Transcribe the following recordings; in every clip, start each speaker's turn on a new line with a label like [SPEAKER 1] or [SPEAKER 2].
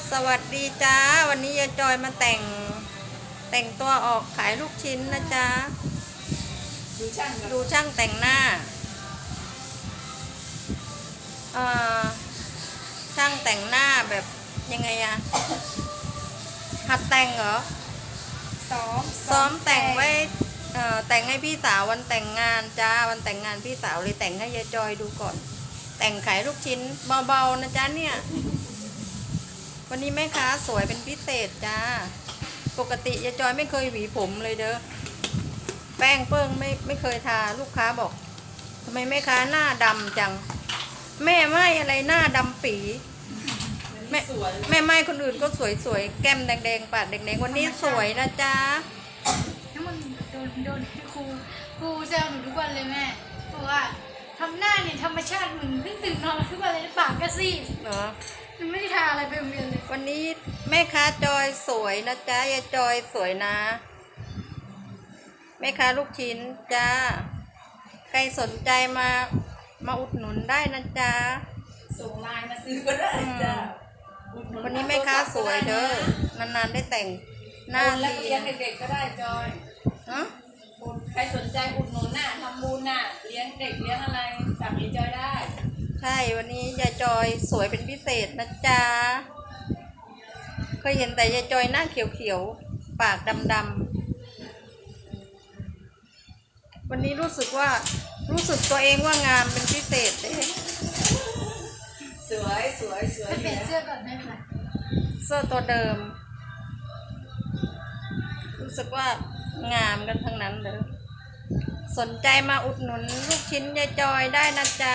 [SPEAKER 1] สวัสดีจ้าวันนี้ยายจอยมาแต่งตัวออกขายลูกชิ้นนะจ๊ะดูช่างแต่งหน้าช่างแต่งหน้าแบบยังไงอะหัดแต่งเหรอซ้อมแต่งไว้แต่งให้พี่สาววันแต่งงานจ้าวันแต่งงานพี่สาวเลยแต่งให้ยายจอยดูก่อนแต่งขายลูกชิ้นเบาๆนะจ๊ะเนี่ยวันนี้แม่ค้าสวยเป็นพิเศษจ้าปกติยายจอยไม่เคยหวีผมเลยเด้อแป้งเปิ้งไม่เคยทาลูกค้าบอกทำไมแม่ค้าหน้าดำจังแม่ไม่อะไรหน้าดำปีแม่ไม่คนอื่นก็สวยๆแก้มแดงๆปากแดงๆวันนี้สวยนะจ๊ะ
[SPEAKER 2] ถ้ามันโดนครูแซวหนูทุกวันเลยแม่บอกว่าทำหน้าเนี่ยธรรมชาติเหมือนเพิ่งตื่นนอนทุกวันเลยปากก็ซีด
[SPEAKER 1] เนาะ
[SPEAKER 2] หนูไม่ได้ทาอะไรไปโรงเรียนเลย
[SPEAKER 1] วันนี้แม่ค้าจอยสวยนะจ๊ะยายจอยสวยนะแม่ค้าลูกชิ้นจ้าใครสนใจมาอุดหนุนได้นะจ๊ะ
[SPEAKER 3] ส่งไลน์มาซื้อก็ได้จ้ะ
[SPEAKER 1] วันนี้แม่ค้าสวยเด้อนานๆได้แต่งหน้า
[SPEAKER 3] แล้วเลี้ยงเด็กๆก็ได้จอยใครสนใจอุดหนุนน่ะทำบุญน่ะเลี้ยงเด็กเลี้ยงอะไรสั่งยายจอยได้
[SPEAKER 1] ใช่วันนี้ยายจอยสวยเป็นพิเศษนะจ๊ะเคยเห็นแต่ยายจอยหน้าเขียวๆปากดำๆวันนี้รู้สึกตัวเองว่างามเป็นพิเศษเลย
[SPEAKER 3] สวย
[SPEAKER 2] ไปเปลี่ยนเสื้อก่อนได้ไหม
[SPEAKER 1] เสื้อตัวเดิมรู้สึกว่างามกันทั้งนั้นเลยสนใจมาอุดหนุนลูกชิ้นยายจอยได้นะจ๊ะ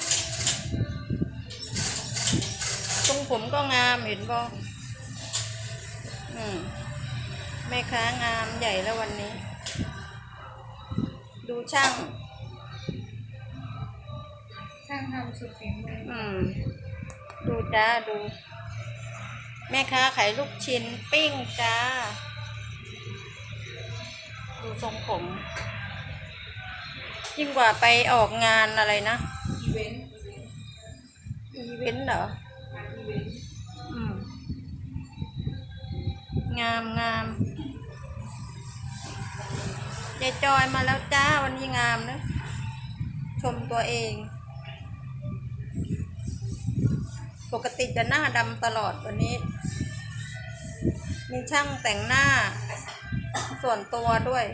[SPEAKER 1] ทรงผมก็งามเห็นบ่แม่ค้างามใหญ่แล้ววันนี้ดูช่าง
[SPEAKER 2] ทำสุดฝีมือ
[SPEAKER 1] ดูจ้าดูแม่ค้าขายลูกชิ้นปิ้งจ้าดูทรงผมยิ่งกว่าไปออกงานอะไรนะ
[SPEAKER 3] อีเวนต์
[SPEAKER 1] เหรอ
[SPEAKER 3] อีเวนต์
[SPEAKER 1] งามยายจอยมาแล้วจ้าวันนี้งามนะชมตัวเองปกติจะหน้าดำตลอดวันนี้มีช่างแต่งหน้าส่วนตัวด้วย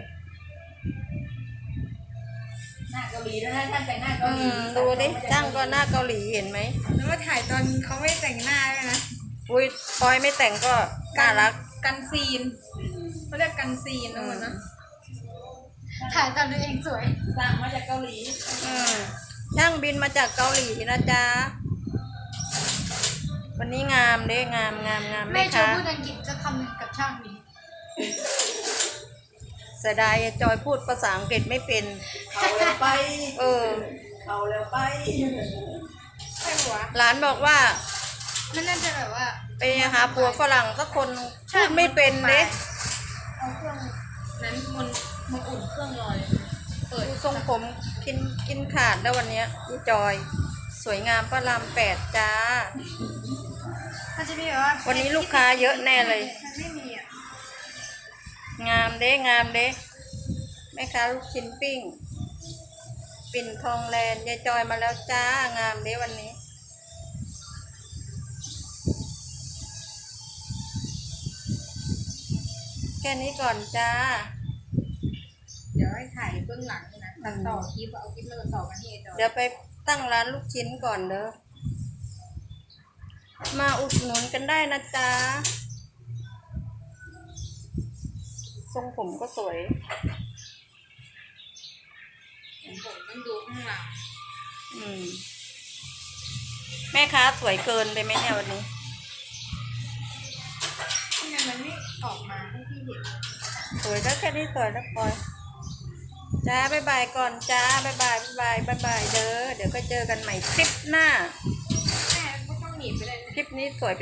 [SPEAKER 3] หน้าเกาหลีแล้วนะท่านแต่งหน้าเกาหลี
[SPEAKER 1] ดูดิช่างก็หน้าเกาหลีเห็นไหม
[SPEAKER 2] แล้วว่าถ่ายตอนเขาไม่แต่งหน้าด้วยนะ
[SPEAKER 1] อุ้ยปอยไม่แต่งก็น่ารัก
[SPEAKER 2] กันซีนเขาเรียกกันซีนนะมันนะถ่ายตอนตัวเองสวย
[SPEAKER 3] สั่งมาจากเกาหลี
[SPEAKER 1] ช่างบินมาจากเกาหลีนะจ๊ะวันนี้งามเด้งาม
[SPEAKER 2] แม่ชอบพูดอังกฤษจะคำหนึ่งกับช่างนี้
[SPEAKER 1] เสียดายจอยพูดภาษาอังกฤษไม่เป็น
[SPEAKER 3] เขาแล้วไปเขาแล้วไป
[SPEAKER 2] ใช่หัว
[SPEAKER 1] หลานบอกว่า
[SPEAKER 2] มันน่าจะแบบว่า
[SPEAKER 1] ไปหาผัวฝรั่งสักคนพูดไม่เป็นเด้
[SPEAKER 2] เอาเครื่องนั้นมันอุ่นเครื่องลอย
[SPEAKER 1] ดูทรงผมกินขาดแล้ววันนี้พี่จอยสวยงามพระราม8จ้า
[SPEAKER 2] มันจะมีแบบว่า
[SPEAKER 1] วันนี้ลูกค้าเยอะแน่เลย
[SPEAKER 2] ไม่มีอ่ะ
[SPEAKER 1] งามเด้แม่ค้าลูกชิ้นปิ้งปิ่นทองแลนด์ยายจอยมาแล้วจ้างามเด้วันนี้แค่นี้ก่อนจ้า
[SPEAKER 2] เดี๋ยวให้ถ่ายเบื้องหลังนะตัดต่อคลิปเอาคลิปมาต่อกันที่
[SPEAKER 1] เดี๋ยวไปตั้งร้านลูกชิ้นก่อนเด้อมาอุดหนุนกันได้นะจ๊ะทรงผมก็สวย
[SPEAKER 2] ผมต้องดูข้างหลัง
[SPEAKER 1] แม่ค้าสวยเกินเลยไหมเนี่ยวันนี้
[SPEAKER 2] ทำไมมันไม่ออกมาให้พี่เห็น
[SPEAKER 1] สวยแล้วแค่นี้สวยแล้วปอยจ้าบ๊ายบายก่อนจ้าบ๊ายบายเด้อเดี๋ยวก็เจอกันใหม่คลิปหน้า
[SPEAKER 2] แม่ก็ต้องหนีไปเลย
[SPEAKER 1] คลิปนี้สวย